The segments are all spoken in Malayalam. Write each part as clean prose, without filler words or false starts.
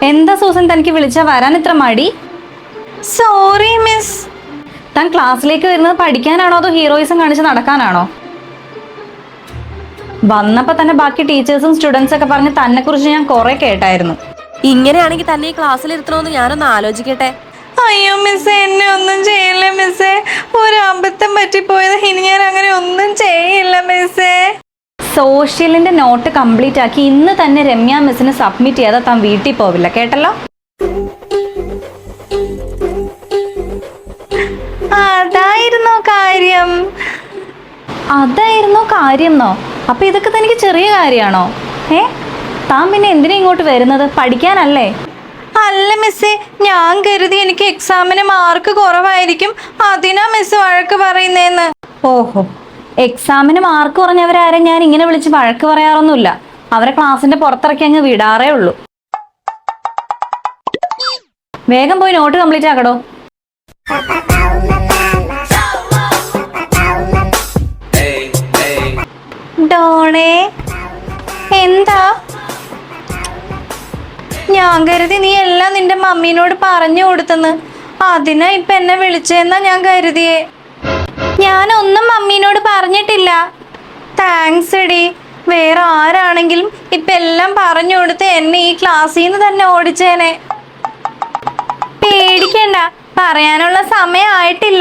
എന്താ സൂസൻ തനിക്ക് വിളിച്ചാ വരാൻ ഇത്ര മടി? Sorry miss. താൻ ക്ലാസ്സിലേക്ക് വരുന്നത് പഠിക്കാനാണോ അതോ ഹീറോയിസം കാണിച്ച് നടക്കാനാണോ? വന്നപ്പോ തന്നെ ബാക്കി ടീച്ചേഴ്സും സ്റ്റുഡൻസ് ഒക്കെ പറഞ്ഞ് തന്നെ കുറിച്ച് ഞാൻ കുറെ കേട്ടായിരുന്നു. ഇങ്ങനെയാണെങ്കിൽ തന്നെ ഈ ക്ലാസ്സിൽ ഇരുത്തണമെന്ന് ഞാനൊന്ന് ആലോചിക്കട്ടെ. അയ്യോ മിസ്സേ, എന്നെ ഒന്നും ചെയ്യില്ല മിസ്സേ. ഒരു അബദ്ധം പറ്റിപ്പോയത്. ഇനി ഞാൻ അങ്ങനെ ഒന്നും ചെയ്യില്ല മിസ്സേ. സോഷ്യലിന്റെ നോട്ട് കംപ്ലീറ്റ് ആക്കി ഇന്ന് തന്നെ രമ്യ മിസ്സിന് സബ്മിറ്റ് ചെയ്യാതെ താൻ വീട്ടിൽ പോവില്ല, കേട്ടല്ലോ? അതായിരുന്നോ കാര്യംന്നോ? അപ്പൊ ഇതൊക്കെ തനിക്ക് ചെറിയ കാര്യമാണോ? താൻ പിന്നെ എന്തിനാ ഇങ്ങോട്ട് വരുന്നത്? പഠിക്കാനല്ലേ? അല്ല മിസ്സേ, ഞാൻ കരുതി എനിക്ക് എക്സാമിന് മാർക്ക് കുറവായിരിക്കും, അതിനാ മിസ് വഴക്ക് പറയുന്നേന്ന്. ഓഹോ, എക്സാമിന് മാർക്ക് കുറഞ്ഞവരാരെ ഞാൻ ഇങ്ങനെ വിളിച്ച് വഴക്ക് പറയാറൊന്നുമില്ല. അവരെ ക്ലാസ്സിന്റെ പുറത്തിറക്കി അങ്ങ് വിടാറേ ഉള്ളൂ. വേഗം പോയി നോട്ട് കംപ്ലീറ്റ് ആക്കടോ. ഡോണേ, എന്താ? ഞാൻ കരുതി നീ എല്ലാം നിന്റെ മമ്മീനോട് പറഞ്ഞു കൊടുത്തെന്ന്. അതിനാ ഇപ്പൊ എന്നെ വിളിച്ചെന്നാ ഞാൻ കരുതിയേ. ഞാനൊന്നും മമ്മീനോട് പറഞ്ഞിട്ടില്ല. താങ്ക്സ് എടി. വേറെ ആരാണെങ്കിലും ഇപ്പൊ എല്ലാം പറഞ്ഞു കൊടുത്ത് എന്നെ ഈ ക്ലാസ്സിൽ നിന്ന് തന്നെ ഓടിച്ചേനെ. പേടിക്കണ്ട, പറയാനുള്ള സമയം ആയിട്ടില്ല.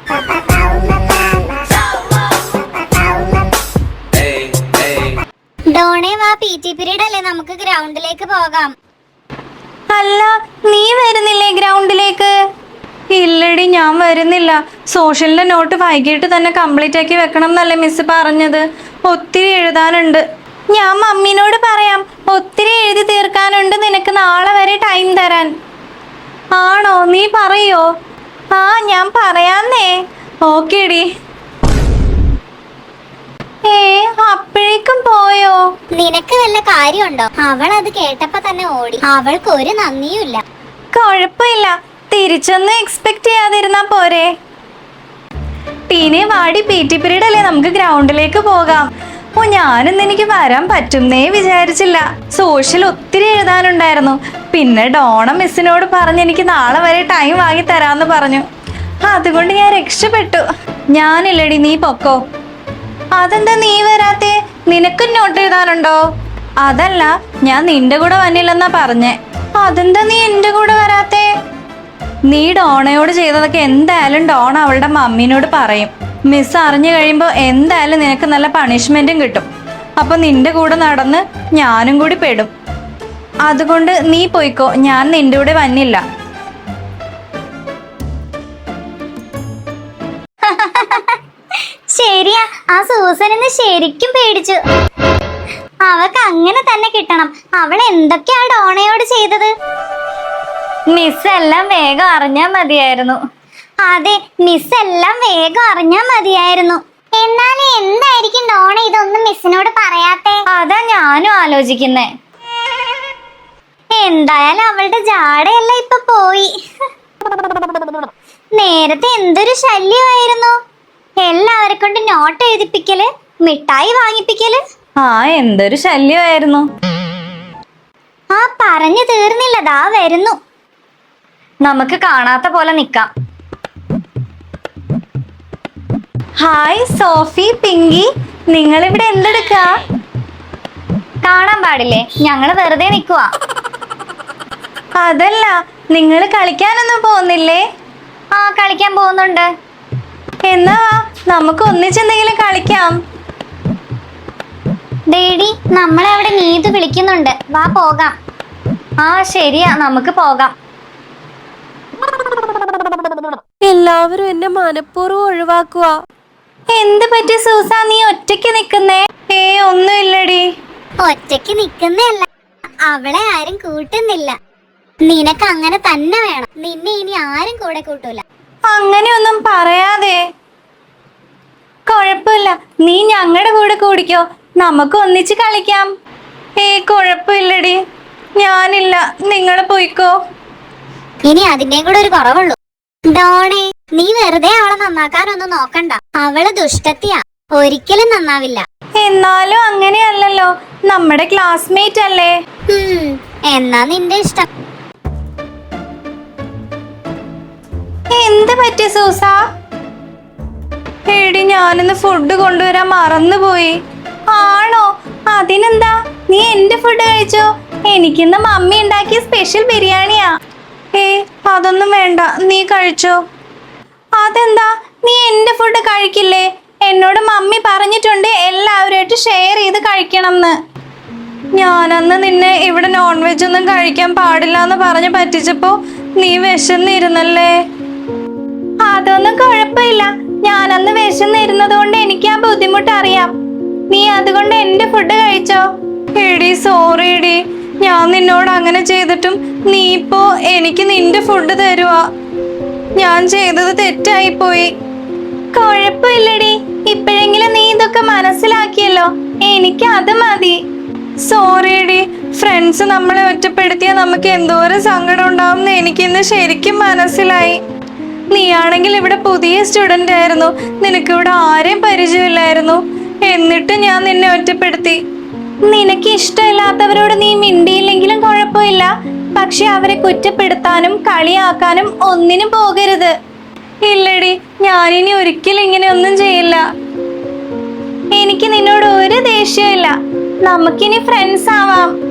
ഡോണേ വാ, PT പീരീഡ് അല്ലേ, നമുക്ക് ഗ്രൗണ്ടിലേക്ക് പോകാം. അല്ല, നീ വരുന്നില്ലേ ഗ്രൗണ്ടിലേക്ക്? ഇല്ലടി, ഞാൻ വരുന്നില്ല. സോഷ്യലിന്റെ നോട്ട് വൈകിട്ട് തന്നെ കംപ്ലീറ്റ് ആക്കി വെക്കണം എന്നല്ലേ മിസ് പറഞ്ഞത്. ഒത്തിരി എഴുതാനുണ്ട്. ഞാൻ മമ്മീനോട് പറയാം, ഒത്തിരി എഴുതി തീർക്കാനുണ്ട്, നിനക്ക് നാളെ വരെ ടൈം തരാൻ. ആണോ? നീ പറയോ? ആ, ഞാൻ പറയാന്നേ. ഓക്കേടി. അപ്പോഴേക്കും പോയോ? നിനക്ക് വല്ല കാര്യമുണ്ടോ? അവൾ അത് കേട്ടപ്പോ തന്നെ ഓടി. അവൾക്ക് ഒരു നന്ദിയുമില്ല. കുഴപ്പമില്ല, തിരിച്ചൊന്നും എക്സ്പെക്ട് ചെയ്യാതിരുന്നാ പോരെ. ടീനെ വാടി, PT പീരീഡ് അല്ലേ, നമുക്ക് ഗ്രൗണ്ടിലേക്ക് പോകാം. ഓ, ഞാനിന്ന് എനിക്ക് വരാൻ പറ്റുന്നേ വിചാരിച്ചില്ല. സോഷ്യൽ ഒത്തിരി എഴുതാനുണ്ടായിരുന്നു. പിന്നെ ഡോണ മിസ്സിനോട് പറഞ്ഞ് എനിക്ക് നാളെ വരെ ടൈം വാങ്ങി തരാന്ന് പറഞ്ഞു. അതുകൊണ്ട് ഞാൻ രക്ഷപ്പെട്ടു. ഞാനില്ലടി, നീ പൊക്കോ. അതെന്താ നീ വരാത്തെ? നിനക്കും നോട്ട് എഴുതാനുണ്ടോ? അതല്ല, ഞാൻ നിന്റെ കൂടെ വന്നില്ലെന്നാ പറഞ്ഞേ. അതെന്താ നീ എന്റെ കൂടെ വരാത്തെ? നീ ഡോണയോട് ചെയ്തതൊക്കെ എന്തായാലും ഡോണ അവളുടെ മമ്മീനോട് പറയും. മിസ് അറിഞ്ഞു കഴിയുമ്പോ എന്തായാലും നിനക്ക് നല്ല പണിഷ്മെന്റും കിട്ടും. അപ്പൊ നിന്റെ കൂടെ നടന്ന് ഞാനും കൂടി പെടും. അതുകൊണ്ട് നീ പോയിക്കോ, ഞാൻ നിന്റെ കൂടെ വന്നില്ല. ശരിയാ, ആ സൂസനെന്ന് ശരിക്കും പേടിച്ചു. അവക്ക് അങ്ങനെ തന്നെ കിട്ടണം. അവൾ എന്തൊക്കെയാ ഡോണയോട് ചെയ്തത്? മിസ് എല്ലാം വേഗം അറിഞ്ഞാ മതിയായിരുന്നു. അതെ, മിസ് എല്ലാം വേഗം അറിഞ്ഞാ മതിയായിരുന്നു. എന്നാലും എന്തായിരിക്കും ഡോണ ഇതൊന്നും മിസ്സിനോട് പറയാത്തെ? അതാ ഞാനും ആലോചിക്കുന്നേ. എന്തായാലും അവളുടെ ജാടയല്ല ഇപ്പൊ പോയി. നേരത്തെ എന്തൊരു ശല്യമായിരുന്നു. എല്ലാവരെ കൊണ്ട് നോട്ട് എഴുതിപ്പിക്കല്, മിഠായി വാങ്ങിപ്പിക്കല്. എന്തൊരു ശല്യമായിരുന്നു. പറഞ്ഞു തീർന്നില്ല, ദാ വരുന്നു. നമുക്ക് കാണാത്ത പോലെ നിക്കാം. ഹായ് സോഫി, പിങ്കി, നിങ്ങൾ ഇവിടെ എന്തെടുക്കാ? കാണാൻ പാടില്ലേ, ഞങ്ങള് വെറുതെ നിക്കുവാ. അതല്ല, നിങ്ങൾ കളിക്കാനൊന്നും പോകുന്നില്ലേ? കളിക്കാൻ പോകുന്നുണ്ട്. എന്നാ വാ, നമുക്ക് ഒന്നിച്ചെന്തെങ്കിലും കളിക്കാം. ഡേഡി, നമ്മളെ അവിടെ നീതു വിളിക്കുന്നുണ്ട്, വാ പോകാം. ശരിയാ, നമുക്ക് പോകാം. എല്ലാവരും എന്നെ മനഃപൂർവ്വം ഒഴിവാക്കുക. എന്ത് പറ്റി സൂസ, നീ ഒറ്റയ്ക്ക് നിക്കുന്നേ? ഒന്നുമില്ലടി. ഒറ്റയ്ക്ക് നിക്കുന്നല്ല, അവളെ ആരും കൂട്ടുന്നില്ല. നിനക്ക് അങ്ങനെ തന്നെ വേണം. നിന്നെ ഇനി ആരും കൂടെ കൂട്ടൂല. അങ്ങനെയൊന്നും പറയാതെ. കുഴപ്പമില്ല, നീ ഞങ്ങളുടെ കൂടെ കൂടിക്കോ, നമുക്ക് ഒന്നിച്ച് കളിക്കാം. കുഴപ്പമില്ലടി, ഞാനില്ല, നിങ്ങൾ പോയിക്കോ. ഇനി അതിന്റെയും കൂടെ ഒരു കുറവുള്ളൂ. ഡോണേ, നീ വെറുതെ അവളെ നന്നാക്കാനൊന്നും നോക്കണ്ട. അവള് ദുഷ്ടത്തിയാ, ഒരിക്കലും നന്നാവില്ല. എന്നാലും അങ്ങനെയല്ലല്ലോ, നമ്മുടെ ക്ലാസ്മേറ്റ് അല്ലേ. എന്നാ നിന്റെ ഇഷ്ടം. പറ്റി സൂസ? എടി ഞാനിന്ന് ഫുഡ് കൊണ്ടുവരാൻ മറന്നുപോയി. ആണോ? അതിനെന്താ, നീ എന്റെ ഫുഡ് കഴിച്ചോ? എനിക്കിന്ന് മമ്മി ഉണ്ടാക്കിയ സ്പെഷ്യൽ ബിരിയാണിയാ. അതൊന്നും വേണ്ട, നീ കഴിച്ചോ. അതെന്താ, നീ എന്റെ ഫുഡ് കഴിക്കില്ലേ? എന്നോട് മമ്മി പറഞ്ഞിട്ടുണ്ട് എല്ലാവരുമായിട്ട് ഷെയർ ചെയ്ത് കഴിക്കണമെന്ന്. ഞാനന്ന് നിന്നെ ഇവിടെ നോൺ വെജ് ഒന്നും കഴിക്കാൻ പാടില്ല എന്ന് പറഞ്ഞ് പറ്റിച്ചപ്പോ നീ വിശന്നിരുന്നല്ലേ. അതൊന്നും കുഴപ്പമില്ല, ഞാനന്ന് വിശന്നിരുന്നത് കൊണ്ട് എനിക്ക് ആ ബുദ്ധിമുട്ട് അറിയാം. നീ അതുകൊണ്ട് എന്റെ ഫുഡ് കഴിച്ചോ. എടി സോറി എടി, ഞാൻ നിന്നോട് അങ്ങനെ ചെയ്തിട്ടും നീ ഇപ്പോ എനിക്ക് നിന്റെ ഫുഡ് തരുവാ. ഞാൻ ചെയ്തത് തെറ്റായി പോയി. കുഴപ്പമില്ലടി, ഇപ്പോഴെങ്കിലും നീ ഇതൊക്കെ മനസ്സിലാക്കിയല്ലോ, എനിക്ക് അത് മതി. സോറി എടി, ഫ്രണ്ട്സ് നമ്മളെ ഒറ്റപ്പെടുത്തിയാൽ നമുക്ക് എന്തോരം സങ്കടം ഉണ്ടാവും എന്ന് എനിക്കിന്ന് ശരിക്കും മനസ്സിലായി. നീയാണെങ്കിൽ ഇവിടെ പുതിയ സ്റ്റുഡന്റ് ആയിരുന്നു, നിനക്കിവിടെ ആരെയും പരിചയമില്ലായിരുന്നു. എന്നിട്ട് ഞാൻ നിന്നെ ഒറ്റപ്പെടുത്തി. നിനക്ക് ഇഷ്ടമില്ലാത്തവരോട് നീ മിണ്ടിയില്ലെങ്കിലും കുഴപ്പമില്ല, പക്ഷെ അവരെ കുറ്റപ്പെടുത്താനും കളിയാക്കാനും ഒന്നിനും പോകരുത്. ഇല്ലടി, ഞാനിനി ഒരിക്കലും ഇങ്ങനെ ഒന്നും ചെയ്യില്ല. എനിക്ക് നിന്നോട് ഒരു ദേഷ്യമില്ല, നമുക്കിനി ഫ്രണ്ട്സ് ആവാം.